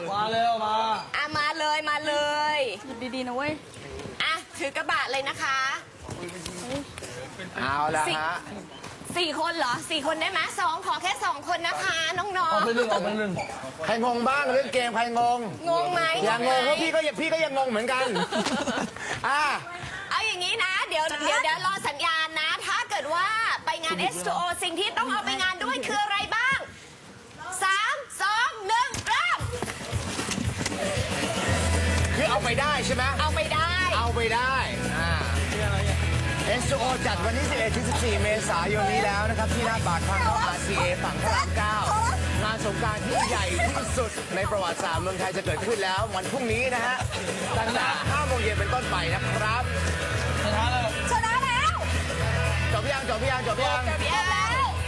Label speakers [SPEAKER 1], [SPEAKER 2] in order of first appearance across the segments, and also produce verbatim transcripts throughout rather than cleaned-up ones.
[SPEAKER 1] มาเร็วมา
[SPEAKER 2] อ่ะมาเลยมาเลย
[SPEAKER 3] ดีๆนะเว้ย
[SPEAKER 2] อ่ะถือกระบะเลยนะคะ
[SPEAKER 4] เอาละฮะ
[SPEAKER 2] สี่คนเหรอสี่คนได้ไหมสองขอแค่สองคนนะคะน้อง
[SPEAKER 1] เอาไปหนึ่งเอาไปหนึ่ง
[SPEAKER 4] ใครงงบ้างเรื่องเกมใครงง
[SPEAKER 2] ๆงงไหม
[SPEAKER 4] อย่างงงเพราะพี่ก็ยังพี่ก็ยังงงเหมือนกันอ่า
[SPEAKER 2] เอาอย่างนี้นะ เดี๋ยวเดี๋ยวเดี๋ยวรอสัญญาณนะ ถ้าเกิดว่าไปงาน เอส ทู โอ สิ่งที่ต้องเอาไปงานด้วยคืออะไรบ้างสามสองหนึ่งเริ่ม
[SPEAKER 4] คือเอาไปได้ใช่ไหม
[SPEAKER 2] เอาไปได้
[SPEAKER 4] เอาไปได้อ่า เอส ทู โอ จัดวันที่ สิบเอ็ดถึงสิบสี่ เมษายนนี้แล้วนะครับ ที่หน้าปากทางเข้า อาร์ ซี เอ ฝั่งพระรามเก้างานสงกรานต์ที่ใหญ่ที่สุดในประวัติศาสตร์เมืองไทยจะเกิดขึ้นแล้ว วันพรุ่งนี้นะฮะ ตั้งแต่ห้าโมงเย็นเป็นต้นไปนะครับ
[SPEAKER 1] ชนะเลย
[SPEAKER 2] ชนะแล้ว
[SPEAKER 4] จบยังจบยังจบยัง
[SPEAKER 2] จบแล้ว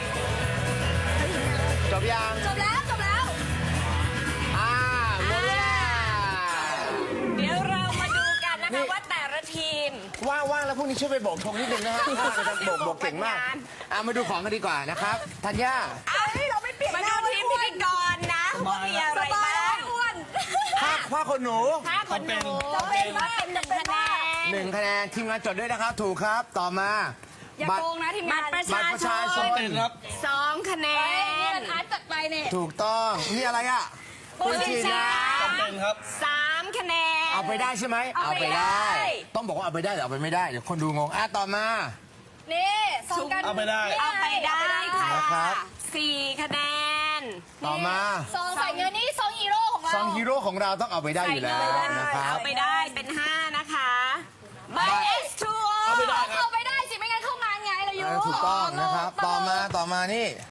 [SPEAKER 4] จบยัง
[SPEAKER 2] จบแล้วจบแล้ว
[SPEAKER 4] อ่าหมดเวลา
[SPEAKER 2] เดี๋ยวเรามาดูกันนะคะว่าแต่ละทีม
[SPEAKER 4] ว่างๆแล้วพรุ่งนี้ช่วยไปโบกธงนิดนึงนะฮะว่างๆนะครับโบกโบกเก่งมากอ่ามาดูของกันดีกว่านะครับธัญญา
[SPEAKER 2] เราไม่เปลี่ยนมาดูทีมพิธีกรนะว่ามีอะไรบ้างอ้วน
[SPEAKER 4] ผ้าผ้าขนหนู
[SPEAKER 2] ถ้าคนหนูจะเป็นว่าเป็นหนึ่งคะแนน
[SPEAKER 4] หนึ่งคะแนนทีมงานจดด้วยนะครับ ถูกครับต่อมา
[SPEAKER 3] อย่า
[SPEAKER 4] บัต
[SPEAKER 3] โก
[SPEAKER 4] รง
[SPEAKER 3] นะทีม
[SPEAKER 2] บั
[SPEAKER 3] งา
[SPEAKER 2] ต
[SPEAKER 3] น
[SPEAKER 2] รประ
[SPEAKER 4] บัต
[SPEAKER 2] ชาร
[SPEAKER 4] ประ
[SPEAKER 2] ช
[SPEAKER 4] ชาน ชน
[SPEAKER 1] เป็นครับ
[SPEAKER 2] สองคะแน
[SPEAKER 3] เอ้ย
[SPEAKER 2] น
[SPEAKER 3] อาร์ตจัดไปเนี่ย
[SPEAKER 4] ถูกต้องนี่อะไรอ่ะ
[SPEAKER 2] ปุจิชา
[SPEAKER 1] เป็นครับ
[SPEAKER 2] สามคะแนน
[SPEAKER 4] เอาไปได้ใช่ไหม
[SPEAKER 2] เอาไปได้
[SPEAKER 4] ต้องบอกว่าเอาไปได้หรือเอาไปไม่ได้เดี๋ยวคนดูงงอ่ะต่อมา
[SPEAKER 3] นี่สองกัน
[SPEAKER 1] เอาไปได้
[SPEAKER 2] เอาไปได้ค่ะ
[SPEAKER 4] นะครับ
[SPEAKER 2] สี่คะแนน
[SPEAKER 4] ต่อมา
[SPEAKER 3] ซองใส่เงินนี่ซองฮีโร่ของเรา
[SPEAKER 4] ซองฮีโร่ของเราต้องเอาไปได้อยู่แล้วนะครับ
[SPEAKER 2] เอาไปได้เป็นห้านะคะบัตร เอส ทู โอ
[SPEAKER 1] เอาไปได้ครับ
[SPEAKER 3] เอาไปได้สิไม่งั้นเข้างานไงเราอยู่
[SPEAKER 4] ถูกต้องนะครับ ต่อมาต่อมานี่